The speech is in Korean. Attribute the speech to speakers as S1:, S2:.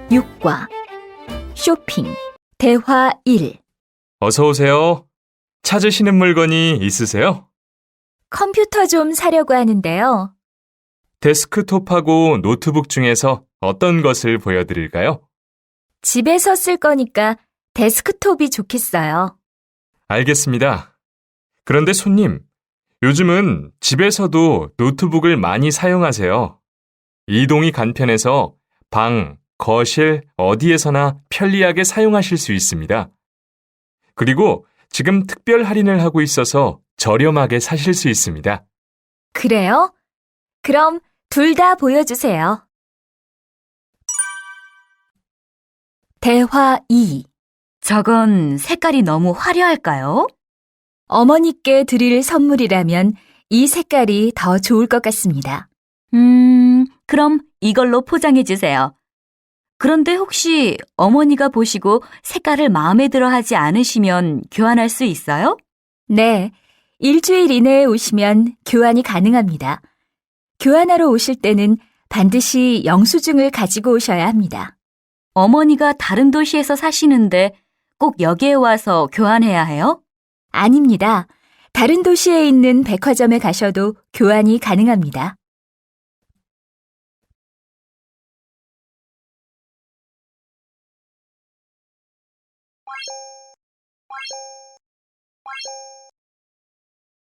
S1: 6과 쇼핑 대화 1.
S2: 어서 오세요. 찾으시는 물건이 있으세요?
S1: 컴퓨터 좀 사려고 하는데요.
S2: 데스크톱하고 노트북 중에서 어떤 것을 보여드릴까요?
S1: 집에서 쓸 거니까 데스크톱이 좋겠어요.
S2: 알겠습니다. 그런데 손님, 요즘은 집에서도 노트북을 많이 사용하세요. 이동이 간편해서 방, 거실, 어디에서나 편리하게 사용하실 수 있습니다. 그리고 지금 특별 할인을 하고 있어서 저렴하게 사실 수 있습니다.
S1: 그래요? 그럼 둘 다 보여주세요. 대화 2.
S3: 저건 색깔이 너무 화려할까요?
S1: 어머니께 드릴 선물이라면 이 색깔이 더 좋을 것 같습니다.
S3: 그럼 이걸로 포장해 주세요. 그런데 혹시 어머니가 보시고 색깔을 마음에 들어 하지 않으시면 교환할 수 있어요?
S1: 네, 일주일 이내에 오시면 교환이 가능합니다. 교환하러 오실 때는 반드시 영수증을 가지고 오셔야 합니다.
S3: 어머니가 다른 도시에서 사시는데 꼭 여기에 와서 교환해야 해요?
S1: 아닙니다. 다른 도시에 있는 백화점에 가셔도 교환이 가능합니다.